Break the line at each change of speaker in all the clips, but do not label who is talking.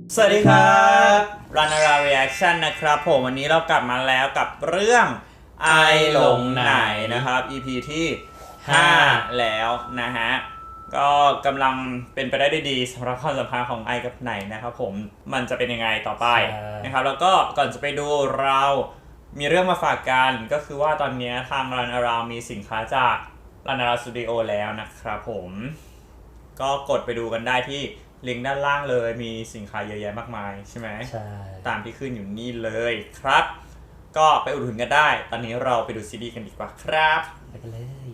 สวัสดีครับรันนารา reaction นะครับผมวันนี้เรากลับมาแล้วกับเรื่องไอหลงไหนนะครับ EP ที่ 5 แล้วนะฮะก็กำลังเป็นไปได้ดีสำหรับความสัมพันธ์ของไอกับไหนนะครับผมมันจะเป็นยังไงต่อไปนะครับแล้วก็ก่อนจะไปดูเรามีเรื่องมาฝากกันก็คือว่าตอนนี้ทางรันนารามีสินค้าจากรันนาราสตูดิโอแล้วนะครับผมก็กดไปดูกันได้ที่ลิงก์ด้านล่างเลยมีสินค้าเยอะแยะมากมายใช่ไหมใช่ตามที่ขึ้นอยู่นี่เลยครับก็ไปอุดหนุนกันได้ตอนนี้เราไปดูซีดีกันดีกว่าครับ
ไปกันเลย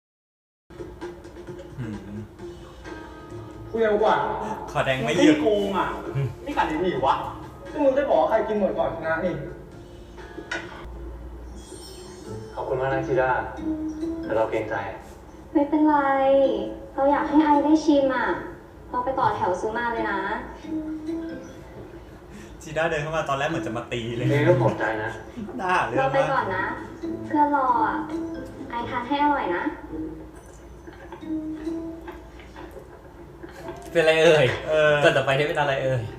กูเร็วกว่า
ขอแดงไม่หยุด
โกงอ่ะนี่กัดหนีวะซึ่งมึงได้บอกว่าใครกินหมดก่อนชนะนี่
ขอบคุณมากนะชิด้าแต่เราเกรงใจ
ไม่เป็นไร เราอยากให้ไอได้ชิมอ่ะ เราไปต่อแถวซื้อมาเลยนะ
จีด้าเดินเข้ามาตอนแรกเหมือนจะมาตีเลย
เองก็ขอบใจนะ
ด่าเรื่อง
เราไปก่อนนะ เพื่อนรออ่ะ ไอทานให้อร่อยนะ
เป็นอะไรเอ่ยก่อนต่อไปได้เป็นอะไรเอ่ย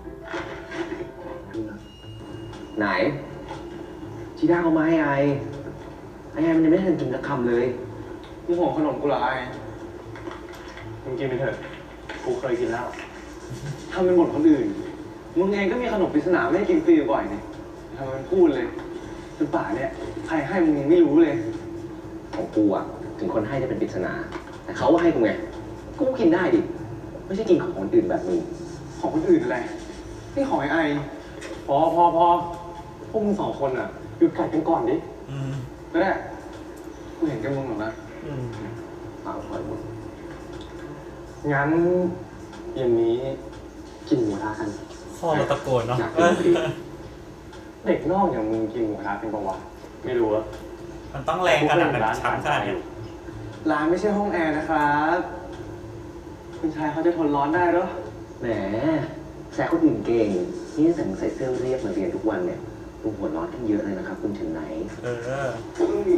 ไหนชิด้าเขามาให้ไอมันยังไม่ทันกินสักคำเลย
กูห่วงขนมกูเหรอไอ้
มึงกินไปเถอะกูเคยกินแล้ว
ทำเป็นหมดคนอื่นมึงเองก็มีขนมปริศนาไม่ให้กินฟรีบ่อยนี่ทำเป็นพูดเลยจนป่าเนี่ยใครให้มึงยังไม่รู้เลย
ของกูอ่ะถึงคนให้จะเป็นปริศนาแต่เขาว่าให้กูไงกูกินได้ดิไม่ใช่กินของคนอื่นแบบมึง
ของคนอื่นอะไรนี่ของไอ้พอพวกมึงสองคนอ่ะหยุดกัดกันก่อนดิก็ได้กูเห็นแกมึงหรอกนะ
เอาปล่อยมึง
งั้นเย็นนี้กินหมูกระทะกัน
ข้อเราตะโกนเนาะ
เด็กนอกอย่างมึงกินหมูกระทะเป็นประวัติ
ไม่รู้อะ
มันต้องแรงขนาดนั้นช้ำขนาดนี้
ร้านไม่ใช่ห้องแอร์นะครับคุณชายเขาจะทนร้อนได้หรอ
แหมแซะคนอื่นเก่งนี่ใส่เสื้อเรียบมาเรียนทุกวันเนี่ยดูหัวร้อนกันเยอะเลยนะครับคุณถึงไหน
มึงมี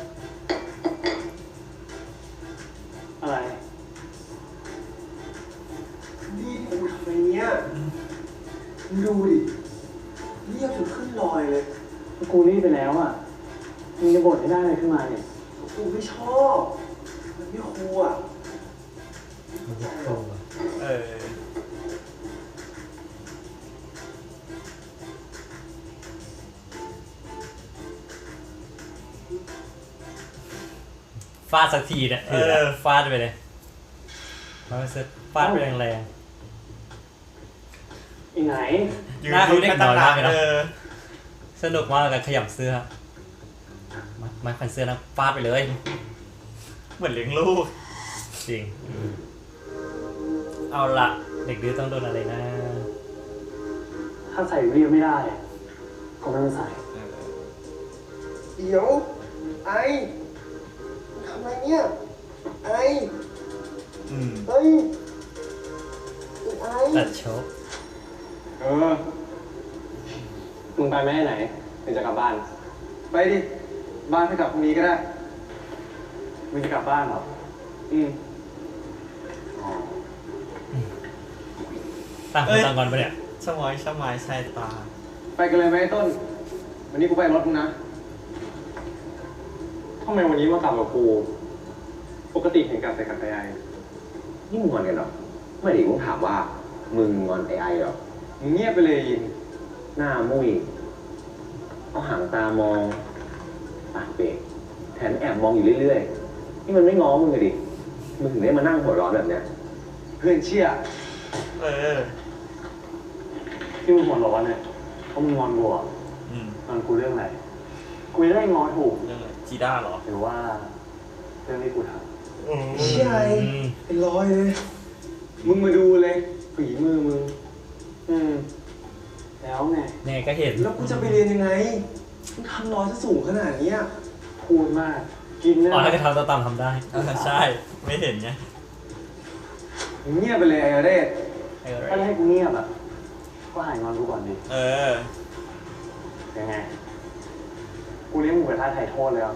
อะไรนี่กูทำไมเนี่ยดูดิเรียบจนขึ้นลอยเลยกูรีบไปแล้วอ่ะมึงจะบ่นไม่ได้เลยขึ้นมาเนี่ยกูไม่ชอบมันไม่คูลอ่ะ
ฟาดสักทีเนี่ยฟาดไปเลยฟาดไปแรง
อีไหน
หน้าเขาเด็กน้อยมากเลยนะสนุกมากกับขยับเสื้อมาขันเสื้อนะฟาดไปเลย
เหมือนเลี้ยงลูก
จริงเอาละเด็กดื้อต้องโดนอะไรนะ
ถ้าใส่เรียบไม่ได้ก็ไม่ต้องใส่เดี๋ยวไอทำไมเนี่ยไอเฮ้ยไอ
ตัดโชว์
มึงไปไม่ให้ไหนมึงจะกลับบ้านไปดิบ้านให้กลับพรุ่งนี้ก็ได้มึงจะกลับบ้านเหรอ
ต่างคนต่างกันปะเนี่ย
ชะม้อยชายตา
ไปกันเลยไหมต้นวันนี้กูไปรถมึงนะทำไมวันนี้มากลับกับกูปกติเห็นกลับแต่กับไอ้
นี่มึงงอนกันเหรอไม่ได้กูถามว่ามึงงอนไอเหรอ
มึงเงียบไปเลยยิน
หน้ามุ้ยเอาหางตามองปากเบกแถมแอบมองอยู่เรื่อยๆนี่มันไม่ง้อมึงเลยดิมึงถึงได้มานั่งหัวร้อนแบบเนี้ย
เพื่อนเชี่ยที่มึงหัวร้อนเนี่ยเพราะมึงงอนกูอ่ะงอนกูเรื่องอะไรกูได้งอถูก
เรื่องอะไรจีด้าเหรอ
หรือว่าเรื่องที่กูทำเชี่ยเป็นร้อยเลยมึงมาดูเลยฝีมือมึงแล้วไง
เนี่ยก็เห็น
แล้วกูจะไปเรียนยังไงมึงทำร้อยซะสูงขนาดนี้พูดมากกินเนี่ย
ถ้าจะทำตามทำได้
ใช่ไม่เห็นไง
เงียบไปเลยไอเรศถ้าให้กูเงียบอ่ะก็หายงอนกูก่อนดิยังไงกูเลี้ยงหมูกระทะไถ่โทษเลย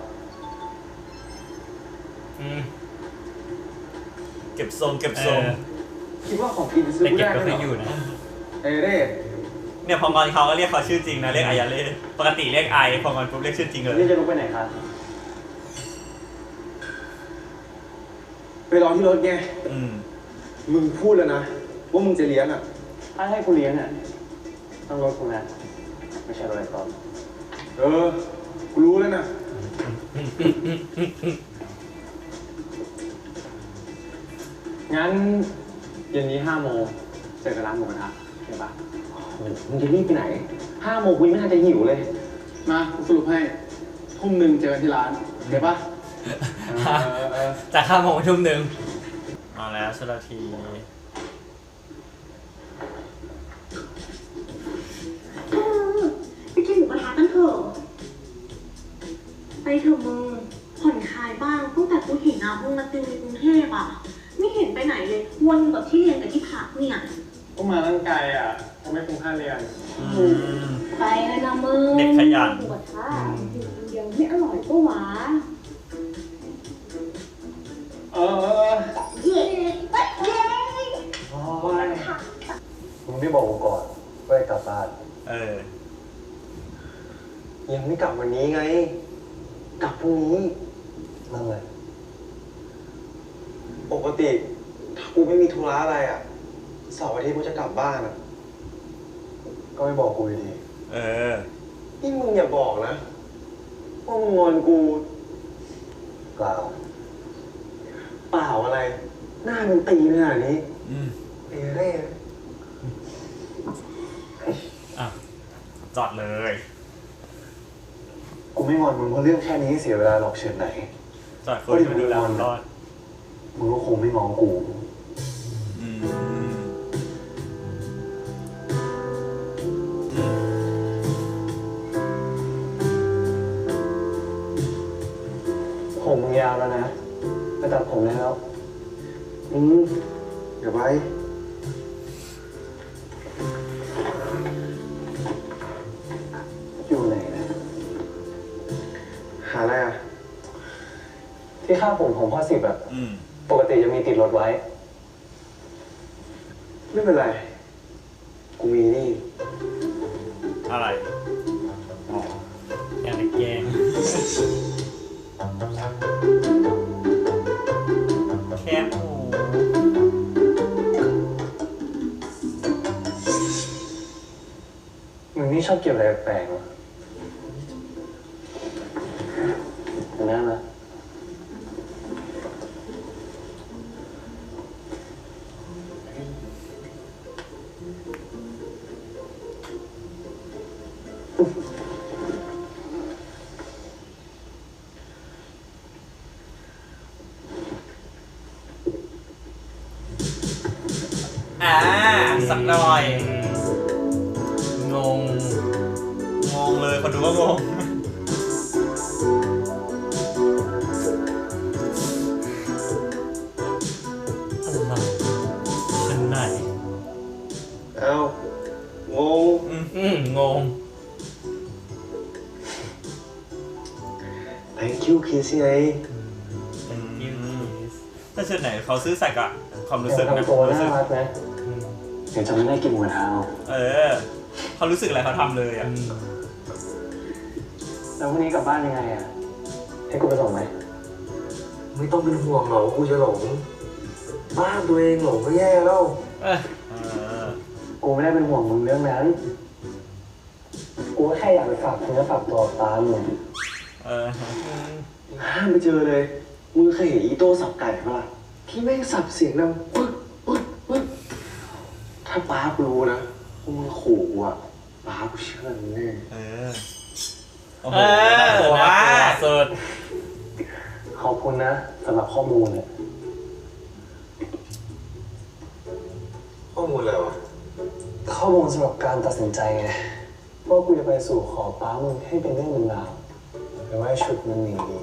เก็บทรง
คิดว่าของกินซื้อกูได้ไหม
อยู่นะ
เอเร่
เนี่ยพองอนเขาก็เรียกเขาชื่อจริงนะเรียกอายาเล่ปกติเรียกไอพองอนปุ๊บเรียกชื่อจริงเลย
นี่จะลุกไปไหนคะไปรอที่รถไง
อืม
มึงพูดแล้วนะว่ามึงจะเลี้ยงอ่ะถ้าให้กูเลี้ยงอ่ะต้องรถกูนะไม่ใช่รถไอ้ต้อมกูรู้แล้วนะ
งั้นเย็นนี้5 โมงเจอกันร้านหมูกระทะเห็นปะ
มึงจะรีบไปไหน5 โมงกูยังไม่ทันจะหิวเลย
มากูสรุปให้1 ทุ่มเจอกันที่ร้านเห็นปะ
จาก5 โมง 1 ทุ่ม
เอาแล้วชลที
ไปกินหมูกระทะกันเถอะไปเถอะมึงผ่อนคลายบ้างตั้งแต่กูเห็นมึงมาติวในกรุงเทพไม่เห็นไปไหนเลยวนอยู่กับที่เรียนกับที่พักเนี่ย
ก็มาตั้งไกลทำไมคุ้มค่าเรียน
ไปเลยนะมึง
เด็กขยัน
หมูกระทะอยู่คนเดียวไม่อร่อยก็หวา
เออ
เย้เย้
มึงไม่บอกกูก่อนว่าจะกลับบ้าน ยังไม่กลับวันนี้ไง กลับพรุ่งนี้นั่นเลยปกติถ้ากูไม่มีธุระอะไรอ่ะเสาร์อาทิตย์กูจะกลับบ้านอ่ะ ก็ไม่บอกกูดี นี่มึงอย่าบอกนะว่ามึงงอนกูเปล่าเปล่าอะไร หน้ามึงตีขนาดนี้เอเร่
จอดเลย
กูไม่งอนมึงเพราะเรื่องแค่นี้เสียเวลาหรอกเชิญไหน
จอดคนมาดูแลรอด
มึงก็คงไม่งองกู ผมมึงยาวแล้วนะไปตัดผมแล้วเดี๋ยวไปอยู่ไหนนะหาอะไรอ่ะ ที่ข้างผมของพ่อ10อ่ะ ปกติจะมีติดรถไว้ ไม่เป็นไร กูมีนี่
อะไร
อยากจะแกล้ง
แคบหมู
มึงนี่ชอบเก็บอะไรแปลกๆวะเห็นหน้าไหม
สักหน่อย
งง
งงเลยคนดูก็งง
อะไรชั้นไหน
เอ้า งง
งง
thank you kiss ไง
thank you kiss
ถ้าเชิญไหนเขาซื้อสัตย์กับความรู้สึกนะ
ทำตัว
รู้
น่า
สึก
รักนะเดี๋ยวจะไม่ได้กินหมูกระทะ
เขารู้สึกอะไรเขาทำเลยอ่ะ
แล้ววันนี้กลับบ้านยังไงอ่ะ ให้กูไปส่งไหม ไม่ต้องเป็นห่วงหรอกว่ากูจะหลง บ้านตัวเองหลงก็แย่แล้ว กูไม่ได้เป็นห่วงมึงเรื่องนั้น กูก็แค่อยากไปฝากเนื้อฝากตัวตามมึงห้ามไปเจอเลย มึงเคยเห็นอีโต้สับไก่ปะล่ะที่แม่งสับเสียงดังปึ๊กปึ๊กปึ๊กถ้าป้ากูรู้นะว่ามึงขู่กูอ่ะป้ากูเชื่อมึงแน่
โอ้โหน่ากลัวมาก
สุด
ขอบคุณนะสำหรับข้อมูลเนี่ยข้อมูลอะไรวะ ข้อมูลสำหรับการตัดสินใจไงว่ากูจะไปสู่ขอป้ามึงให้เป็นเรื่องเป็นราวหรือว่าฉุดมึงหนีดี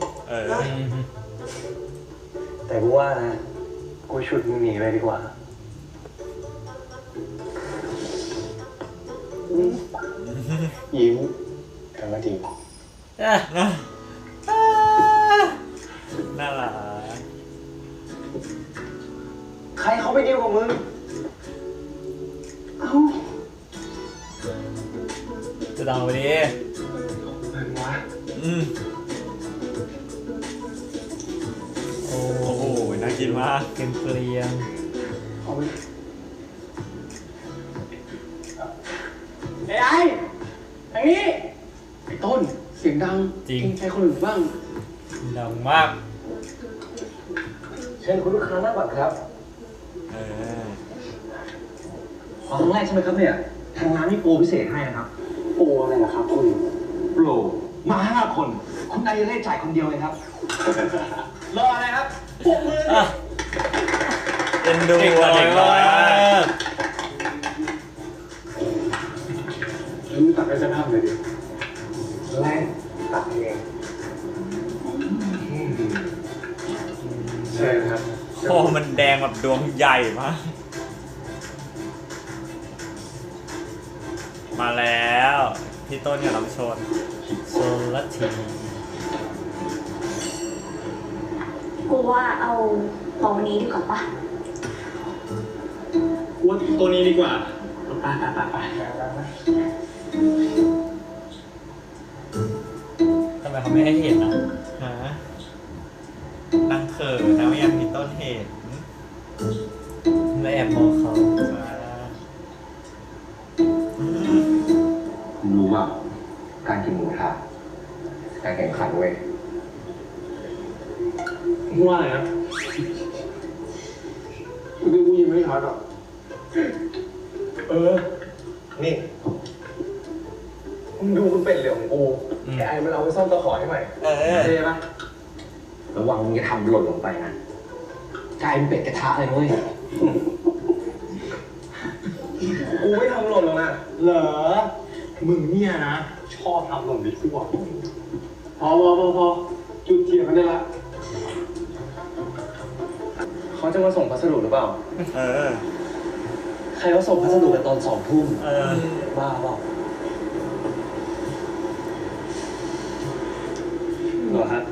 แต่กูว่านะ กูฉุดมึงหนีเลยดีกว่า ยิ้มกันมาดี
น่ารัก
ใครเขาไปดีลกับมึง เอ้า
ดาวดิ
อะไรวะ
อืม
โอ้
โอ้โหน่ากินมาก
เกมเกลียง
เอาไปไอ้ทางนี้ไอ้ต้นเสียงดัง
จริง
เกรงใจคนอื่นบ้าง
ดังมาก
เชิญคุณลูกค้านั่งก่อนครับ
เออ
ครั้งแรกใช่ไหมครับเนี่ย ทางร้านมีโปรพิเศษให้นะครับ
โอ้อะไรล่ะครับคุณ
โปรมา5 คน คุณนายจะได้จ่ายคนเดียวเลยครับ รออะไรครับพวกมือ
อ่ะ
เอ็นดู
เด็กน้อย
เด็กน้
มา
อยมาก
ก
แล้วมึงตัดให้ฉันทำเลยดิแรงตัดเองใช่ครับ
โอ้มันแดงแบบดวงใหญ่มาก มาแล้วพี่ต้นกับน้ำชน
โซลัตที
กูว่าเอาตรงนี้ดีกว่าปะ
ว่าตัวนี้ดีกว่าไป
ทำไมเขาไม่ให้เห็นอ่ะ
ฮะนางเขินนะไม่อยากพี่ต้นเห็น
ไม่แอบมองเขา
คุณรู้ว่าการกินหมูกระทะการแข่งขันเว้ย
ว่าอะไรนะกูยังไม่ทันหรอกนี่มึงดูคุณเป็ดเหลืองของกูไอ้มันเอาไปซ่อมตะขอให้ใหม่
เออ
เท่ปะ
ระวังมึงจะทำหล่นลงไปนะกลายเป็นเป็ดกระทะเลยเว้ย
กูไม่ทำหล่นหรอกนะเหรอมึงเนี่ยนะ ชอบทำหล่นไปทั่วพอจุดเทียนกันได้ละเขาจะมาส่งพัสดุหรือเปล่า
เออ
ใครเขาส่งพัสดุกันตอน2 ทุ่ม
เออ
บ้าเปล่าเหรอครับ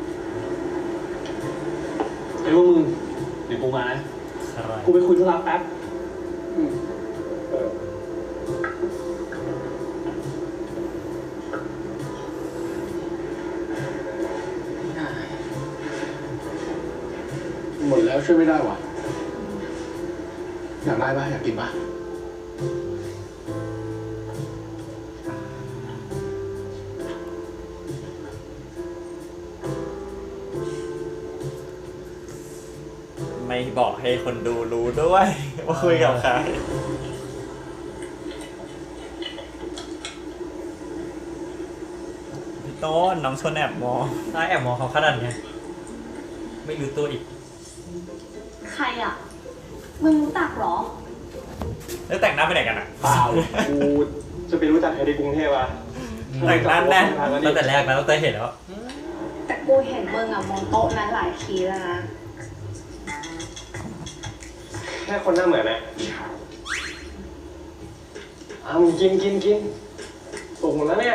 ไอ้พวกมึงเดี๋ยวกูมานะ
อะไร
กูไปคุยธุระแป๊บหมดแล้วช่วยไม่ได้วะอยากได้ปะอยากกินปะ
ไม่บอกให้คนดูรู้ด้วย ว่าคุยกับใครพี่ต้นน้องชนแอบมอง
ถ้าแอบมองเขาขนาดเนี้ยไม่รู้ตัวอีก
ใครอ่ะ มึงรู้จักเหรอ
แล้วแต่งหน้าไปไหนกันอ่ะ
เปล่ากูจะไปรู้จักใครในกรุงเทพวะ
แต่งหน้าแน่น
ตั้งแต่แรกนะตั้งแต่เห็นแล้ว
แต่กูเห็นมึงอ่ะมองโต๊ะนั้นหลายทีแล้วนะ
แค่คนหน้าเหมือนนะมึงกินตกหมดแล้วเนี่ย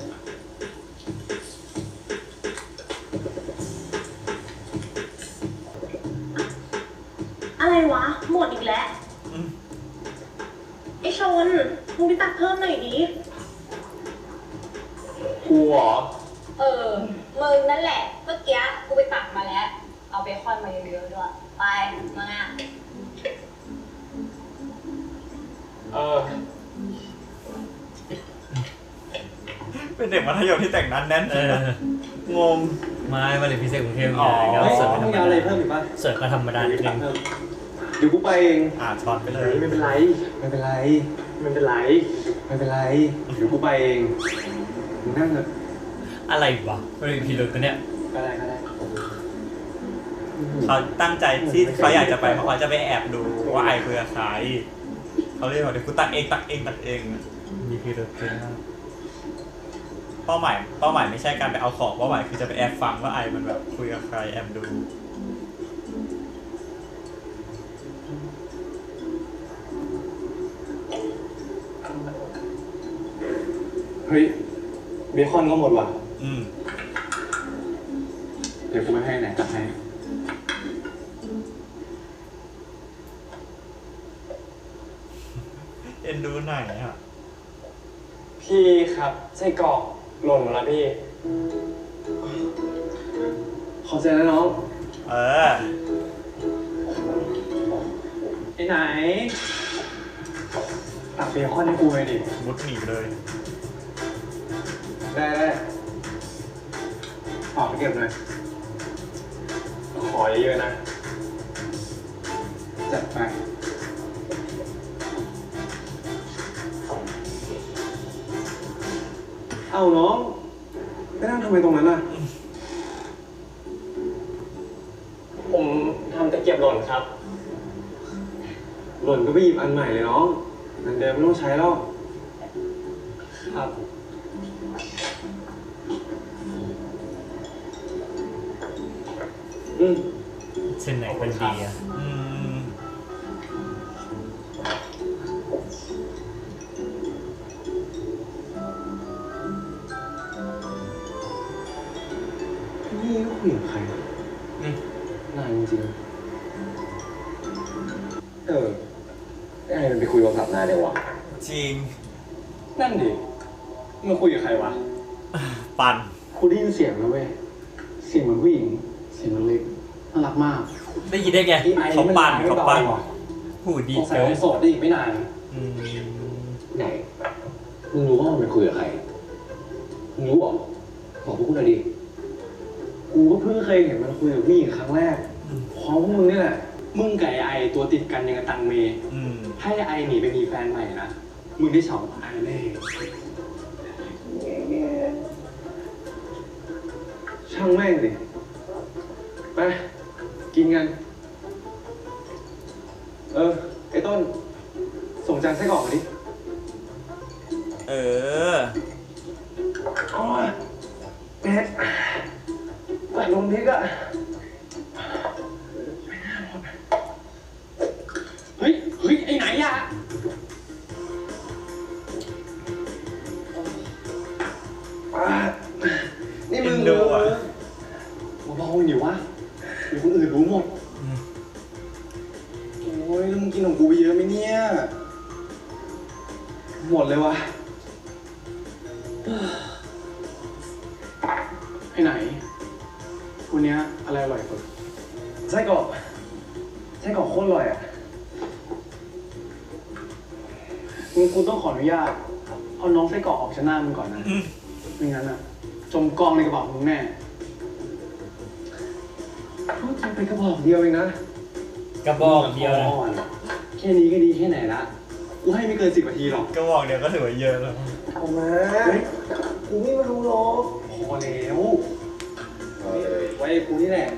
อะไรวะ หมดอีกแล้ว ไอชนมึงไปตักเพิ่มหน่อยดิ
กูเหรอ
มึงนั่นแหละ เมื่อกี้กูไปตักมาแล้ว เอาเบคอนมาเยอะๆด้วย ไปมึงอ่ะ
เป็นเด็กมัธยมที่แต่งหน้าแน่น
เออ
งง
ไม่มาเลยพิเศษกรุงเทพ
อ๋อ
ไงก็เสิร์ฟ
มึงเอาอะไรเพิ่มอีกปะ
เสิร์ฟก็ธรรมดานิดนึง
เดี๋ยวกูไปเอง
ช้อนไปเลย
ไม่เป็นไร ไม่เป็นไร ไม่เป็นไร ไม่เป็นไร เดี๋ยวกูไปเองมึงนั่งเถอะ
อะไรวะไม่ได้พิรุธกันเนี่ย
ก็ได้
เขาตั้งใจที่เขาอยากจะไปเพราะเขาจะไปแอบดูว่าไอคุยกับใครเขาเลยบอกเดี๋ยวกูตักเอง
มีพิรุธกันมาก
เป้าหมายไม่ใช่การไปเอาของเป้าหมายคือจะไปแอบฟังว่าไอมันแบบคุยกับใครแอบดู
เฮ้ย เบคอนก็หมดว่ะ
อืม
เดี๋ยวกูไม่ให้ไหนตักให้
เอ็นดูหน่อยอ่ะ
พี่ครับไส้กรอกหล่นหมดแล้วพี่
ขอบใจนะน้อง
เออ
ไอ้ไหนตักเบคอนให้กูเลยดิ
มุดหนีเลย
ได้ฝากไปเก็บหน่อย
ขอเยอะๆนะ
จัดไป เอ้าน้องไปนั่งทำไมตรงนั้นน่ะ
ผมทำตะเกียบหล่นครับ
หล่นก็ไปหยิบอันใหม่เลยน้อง อันเดิมไม่ต้องใช้แล้ว
ครับ
เช่นไหนคนดีอ่ะ
อืม
นี่ก็คุยกับใครนานจริง
ไอ้มันไปคุยโทรศัพท์นานเลยวะ
จริง
นั่นดิมึงคุยกับใครวะ
ปั่น
กูได้ยินเสียงแล้วเว้ย เสียงเหมือนผู้หญิง เสียงมันเล็ก น่ารักมาก
ได้ยินได้ไง
เขาปั่นเขาปั่น
หูดี
สงสัย
เกิน
คงโสดได้อีกไม่นาน
อืม
ไหน มึงรู้ว่ามันไปคุยกับใคร มึงรู้เหรอบอกพวกกูหน่อยดิ
กูก็เพิ่งเคยเห็นมันคุยกับผู้หญิงครั้งแรกพร้อมพวกมึงนี่แหละ
มึงกับไอตัวติดกันยังกับตังเม
อืม
ให้ไอหนีไปมีแฟนใหม่นะ มึงได้สองไอแน่
ช่างแม่งดิ ไป กินกัน ไอ้ต้น ส่งจานไส้กรอกมาดิ
เออ
โอ้ยเผ็ดใส่ลงพริกอะ
เฮ้ย ไอไหนอะ
อ่ะนี่มึง
เอ็นดูอะ
เบาๆหนิวะเดี๋ยวคนอื่นรู้หมด
โอ้ยแล้วมึงกินของกูไปเยอะไหมเนี่ย หมดเลยวะ
ไอไหนวันเนี้ยอะไรอร่อยสุด
ไส้กรอกโคตรอร่อยอ่ะ
มึงกูต้องขออนุญาต เอาน้องไส้กรอกออกชะหน้ามึงก่อนนะ ไม่งั้นอะจมกองในกระเป๋ามึงแน่
พูดไปกระบอกเดียวเองนะ
กระบอกเดียวนะ
อ่อนแค่นี้ก็ดีแค่ไหนละ กูให้ไม่เกิน10 นาทีหรอก
ก็บอกเดี๋ยวก็ถือว่าเยอะแล้ว
เอามากูไม่มารู้หรอก
พอแล้วไว้กูนี่แหละ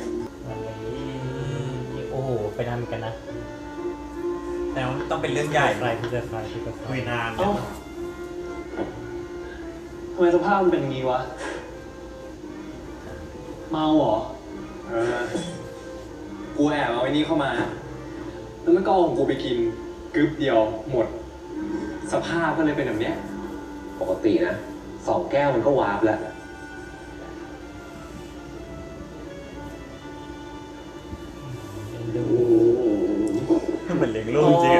โอ้โห ไปนานเหมือนกันนะ
แต่ว่าต้องเป็นเรื่องใหญ่
ใครที่จะใครที่จะใคร
คุยนาน
เอ้าทำไมสภาพมันเป็นอย่างงี้วะ เมาเหรอ กูแอบเอาไอ้นี่เข้ามา แล้วมันก็เอาของกูไปกินกึ๊บเดียวหมด สภาพก็เลยเป็นแบบเนี้ย
ปกตินะ2 แก้วมันก็วาร์ปแล้ว
ดู
เหมือนเลี้ยงลูกจริงอะ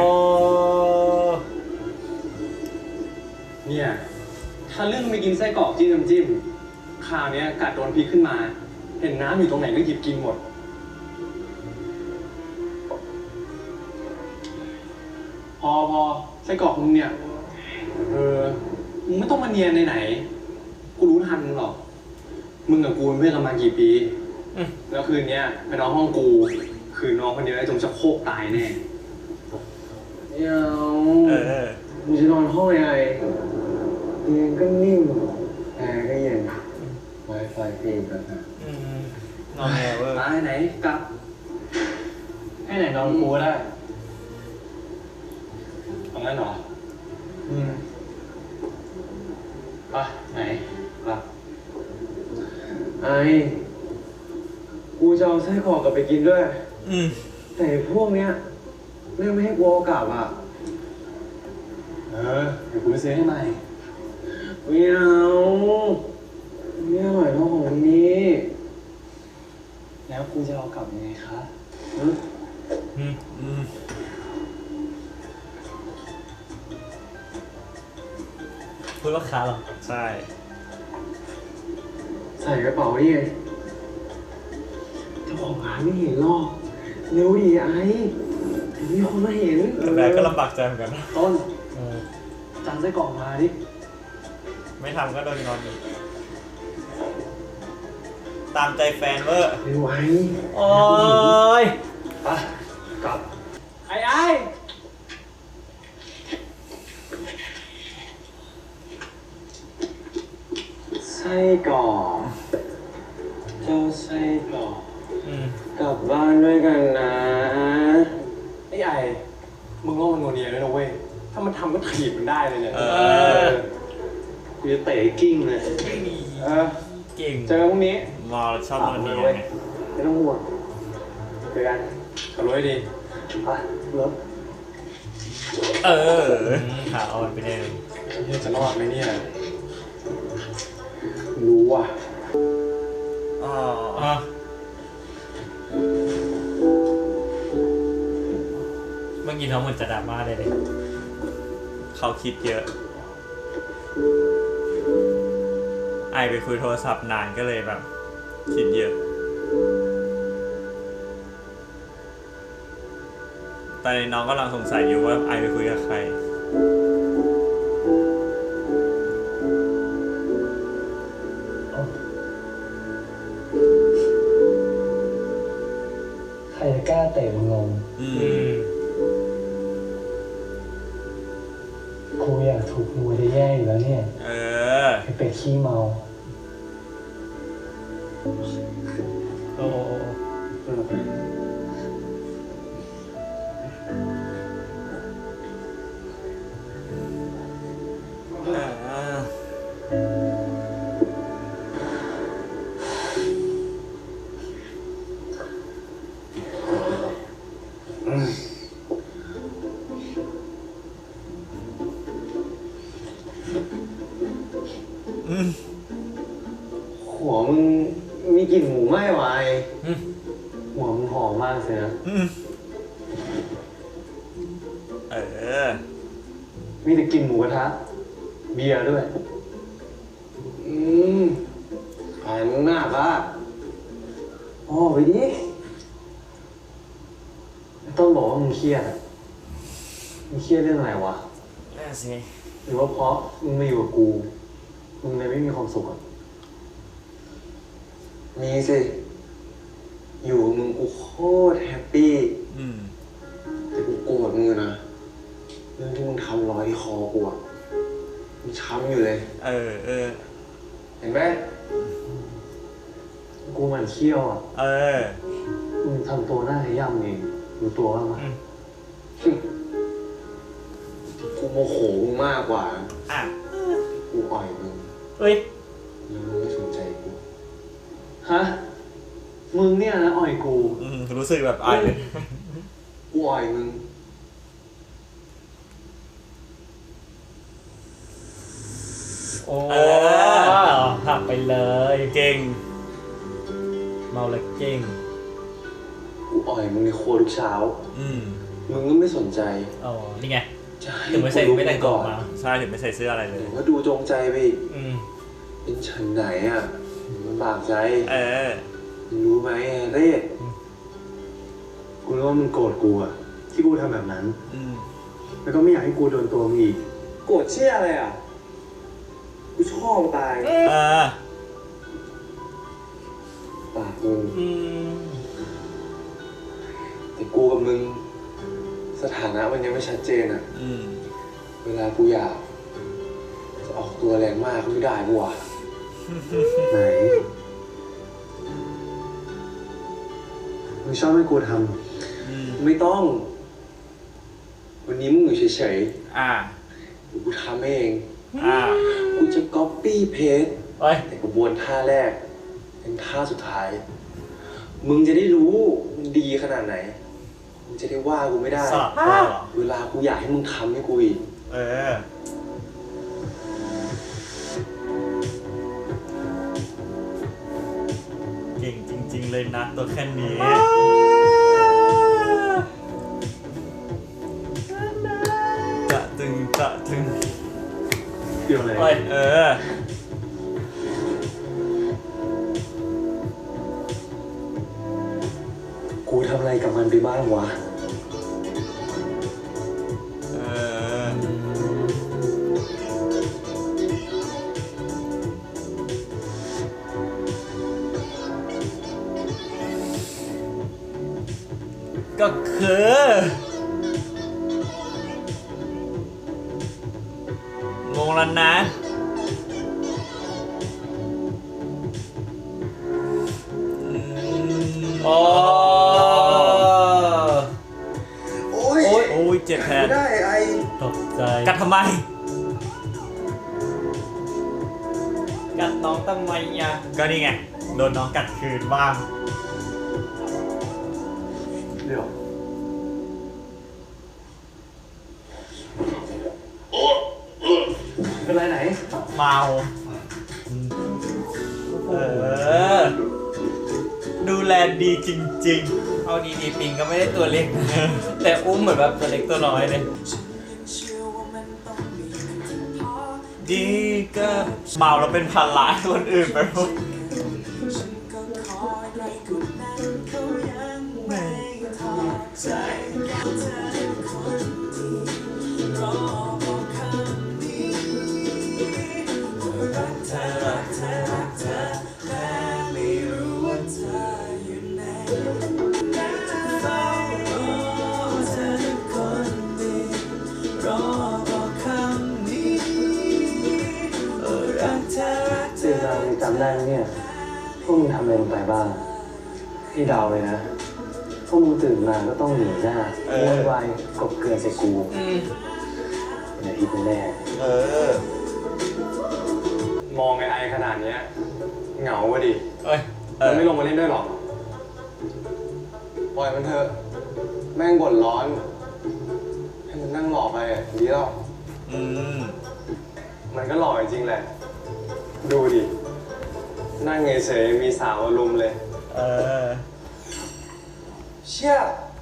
เนี่ย ถ้าเรื่องไม่กินไส้กรอกจิ้มน้ำจิ้มคราวเนี้ยกัดโดนพริกขึ้นมา เห็นน้ำอยู่ตรงไหนก็หยิบกินหมด พอไส้กรอกมึงเนี่ย มึงไม่ต้องมาเนียนไหนๆกูรู้ทันมึงหรอก มึงกับกูเป็นเพื่อนกันมากี่ปี แล้วคืนเนี้ยไปนอนห้องกู คืนน้องคนเดียวไอ้จงจะโคกตายแน่
เดี๋ยว
เออ
มึงจะนอนห้องยังไงเตียงก็นิ่มแอร์ก็เย็น Wi-Fi ฟรีกันนะ
อืมนอนแนวเวอร์
มาให้ไหนกลับ ให้ไหนนอนกูก็ได้เอางั้นเหรอ ไปไหนกลับ
ไอ้กูจะเอาไส้กรอกกลับไปกินด้วย
อืม
แต่พวกเนี้ยแม่งไม่ให้กูเอากลับอ่ะ
เดี๋ยวกูไปซื้อให้ใหม่
ไม่เอาไม่อร่อยเท่าของนี้
แล้วกูจะเอากลับยังไงคะ
อืมอืม
พูดว่าค้าหรอ
ใช่
ใส่กระเป๋านี่ไงเจ้าของร้านไม่เห็นหรอกเร็วดิไอ้เดี๋ยวมีคนมาเห็น
แต่แบกก็ลำบากใจเหมือนกันนะ
ต้น
เออ
จันไส้กรอกมาดิ
ไม่ทำก็โดนงอนอีกตามใจแฟนเวอร์
เร็วไอ้
โอ้ย
ไปกลับ
ไอ้
ไส้กรอกเจ้าไส้กรอก
อืม
กลับบ้านด้วยกันนะ
ไอ้มึงโลกมันโงเนียด้วยนะเว้ย ถ้ามันทำก็ถีบมันได้เลยเนี่ย
เออ
กูจะเตะกิ้งเลย
เก่ง
เจอกันพรุ่งนี้
มอชอบโดนนี้
เว้ย
ไง
ไม่ต้องห่วงเจอกัน
ขับรถให้ดี
ไปรถ
เออ
ขาอ่อนไปเลย
เฮ้ยจะรอดไหมเนี่ย
รู้ว่ะ
อ๋อ
อ่ะเมื่อกี้เขาเหมือนจะดราม่าเลย
เขาคิดเยอะ ไอไปคุยโทรศัพท์นานก็เลยแบบ คิดเยอะ ตอนนี้น้องกำลังสงสัยอยู่ว่าไอไปคุยกับใคร
ใครจะกล้าเตะมึงลง
อื
อื
ม
ม
กูอยากถูกดูจะแย่อยู่แล้วเนี่ย
เออ
ไอเป็ดขี้เมา
โอ้
หัวมึงมีกลิ่นหมูไหม้วะไอ
อืม
หัวมึงหอมมากเลยนะ
อืมเออ
มีแต่กลิ่นหมูกระทะ เบียร์ด้วย แผนมึงหน้าบ้าอ๋อไปดิต้องบอกว่ามึงเครียดอะมึงเครียดเรื่องอะไรวะ
น่าสิ
หรือว่าเพราะมึงมาอยู่กับกู มึงเลยไม่มีความสุขอะมีสิ อยู่กับมึงกูโคตรแฮปปี้
อืม
แต่กูโกรธมึงนะ เรื่องที่มึงทำรอยที่คอกูอะมึงช้ำอยู่เลย
เออ เออ
เห็นไหม กูหมันเขี้ยวอ่ะ
เออ
มึงทำตัวหน้าขย้ำเองรู้ตัวบ้างไหม
อืม
กูโมโหมึงมากกว่า
อ่ะ
กูอ่อยมึง
เฮ้ย
แล้วมึงไม่สนใจกู ฮะ มึงเนี่ยนะอ่อยกู
อืมรู้สึกแบบไอเลย
กูอ่อยมึง
โอ้
เออ
หักไปเลย
เก่ง
เมาแล้วเก่ง
กูอ่อยมึงในครัวทุกเช้า
อืม
มึงก็ไม่สนใจ
อ๋อ นี่ไง
จะให้
ถึงไม่ใส่
กู
ไม่แต่งตัวออกมา
ใช่ถึงไม่ใส่เสื้ออะไรเลย
หรือว่าดูจงใจไปอีก
อืม
เป็นฉันไหนอ่ะ มันบากใจ
เออ
มึงรู้ไหมแฮร์รี่กูรู้ว่ามึงโกรธกูอะที่กูทำแบบนั้น
อืม
แล้วก็ไม่อยากให้กูโดนตัวมึงอีก โกรธเชี่ยอะไรอ่ะ กูชอบตาย
เออ
ปากมึง
อืม
แต่กูกับมึง สถานะมันยังไม่ชัดเจนอ่ะ
อืม
เวลากูอยากจะออกตัวแรงมากก็ไม่ได้กูวะ ไหน มึงชอบให้กูท
อืม
ำไม่ต้อง วันนี้มึงอยู่เฉย
อ่า
ๆเดี๋ยวกูทำเอง
อ่า
กูจะ copy paste
เฮ้ย
แต่กระบวนท่าแรก เป็นท่าสุดท้าย มึงจะได้รู้มันดีขนาดไหน มึงจะได้ว่ากูไม่ได้
สลับตัวเหรอ
เวลากูอยากให้มึงทำให้กูอีก
เออ เก่งจริง ๆ เลยนะตัวแค่นี้ จะตึงจะตึง
เดี๋ยวอะไร
เฮ้ย
เออ
กูทำอะไรกับมันไปบ้างวะ
เออ ก็คือ งงแล้วนะ
โอ้
โอ้ย
โอ้ยเจ็บแทน
ไม่ได้ไอ้
ตกใจ
กัดทำไม
กัดน้องทำไมอ่ะ
ก็นี่ไง โดนน้องกัดคืนบ้าง
เดี๋ยวเป็นไรไหน
เมา เออ ดูแลดีจริง
เอาดีๆปิงก็ไม่ได้ตัวเล็กนะ แต่อุ้มเหมือนแบบตัวเล็กตัวน้อยเลย
ๆ ดีก็เมาแล้วเป็นภาระคนอื่นไปหมด
ตื่นมามึงจำได้ไหมเนี่ยพวกมึงทำอะไรลงไปบ้างพี่เดาเลยนะพวกมึงตื่นมาก็ต้องหนีหน้าโวยวายกบเกลือนใส่กูเป็นอาทิตย์แน่
เออ
มองไอ้ขนาดเนี้ยเหงาวะดิ
เอ้ย
มันไม่ลงมาเล่นด้วยหรอ ปล่อยมันเถอะ แม่งบ่นร้อน ให้มันนั่งหล่อไปอ่ะดีแล้ว
อืม
มันก็หล่อจริงๆแหละ ดูดิ นั่งเฉยๆมีสาวอารมณ์เลย
เออ
เชี่ย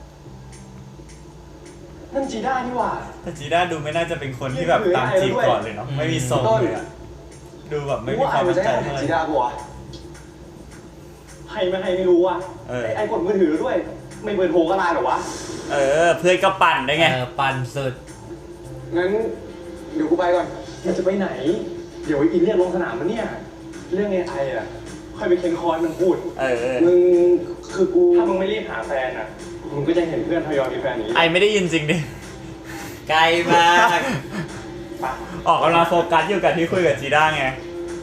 นั่นจีด้านี่หว่า
แต่จีด้าดูไม่น่าจะเป็นคนที่แบบตามจีบก่อนเลยเนาะ ไม่มีทรงเลยอะดูแบบไม่มีความมั่นใจ
ว่า
เท่าไห
จี
ร่
ด้ากูวะให้ไม่รู้อ่ะ
เออ
ไอ้กดมือถือด้วย ไม่เปิดโทรก็ไลน์หรอวะ
เออ เพื่อนก็ปั่นได้ไง
ปั่นสุด
งั้นเดี๋ยวกูไปก่อน มันจะไปไหน เดี๋ยวอินเรียกลงสนามมันเนี่ย เรื่องไอ้อ่ะ ค่อยไปเค้นคอยมันพูด
เออ
มึงคือกู ถ้ามึงไม่รีบหาแฟนอ่ะ มึงก็จะเห็นเพื่อนทยอยมีแฟนอย่างนี้
ไอไม่ได้ยินจริงดิ
ไกลมาก
ไป
ออกกำลังโฟกัสอยู่กับที่คุยกับจีด้าไง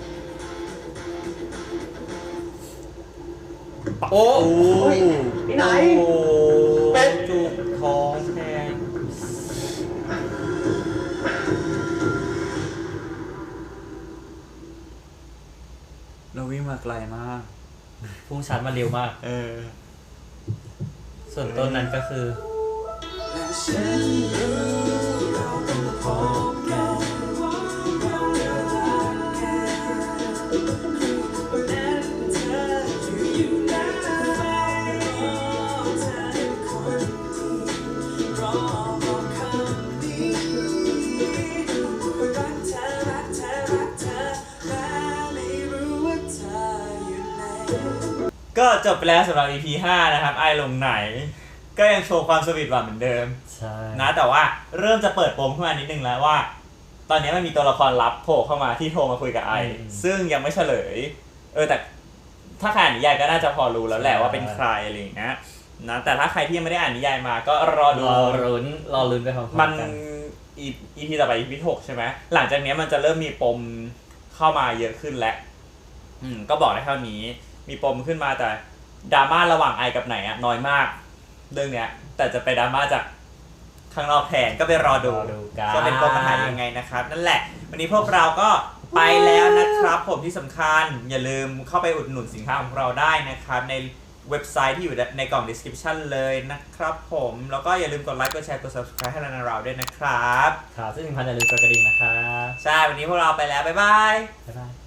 โอ้
โอ้
ไปไหน
โอ้
เป็น
จุกท้องแทง
เราวิ่งมาไกลมาก
พุ่งชันมาเร็วมาก
เออ
ส่วนต้นนั้นก็คือ
ก็จบไปแล้วสำหรับ EP 5 นะครับ ไอลงไหน ก็ยังโชว์ความสวีทหวานเหมือนเดิม
ใช่
นะแต่ว่าเริ่มจะเปิดปมขึ้นมานิดนึงแล้วว่า ตอนนี้มันมีตัวละครลับโผล่เข้ามาที่โทรมาคุยกับไอซึ่งยังไม่เฉลย แต่ถ้าใครอ่านนิยายก็น่าจะพอรู้แล้วแหละว่าเป็นใครอะไรอย่างเงี้ยนะแต่ถ้าใครที่ยังไม่ได้อ่านนิยายมาก็รอดู
รอลุ้นไปพร้อมๆ
มัน
กัน
EP ต่อไป EP 6ใช่ไหมหลังจากนี้มันจะเริ่มมีปมเข้ามาเยอะขึ้นแล้วก็บอกได้เท่านี้มีปมขึ้นมาแต่ดราม่าระหว่างไอกับไหนอะน้อยมากเรื่องเนี้ยแต่จะไปดราม่าจากข้างนอกแทนก็ไปรอดู
กัน
จะเป็นปมปัญหายังไงนะครับนั่นแหละวันนี้พวกเราก็ไปแล้วนะครับผมที่สำคัญอย่าลืมเข้าไปอุดหนุนสินค้าของเราได้นะครับในเว็บไซต์ที่อยู่ในกล่อง description เลยนะครับผมแล้วก็อย่าลืมกดไลค์กดแชร์กด subscribe ให้เราด้วยนะครับ
ครับซึ่งสำคัญอย่าลืมกดกระดิ่งนะครับ
ใช่วันนี้พวกเราไปแล้วบ๊ายบาย
บ๊ายบาย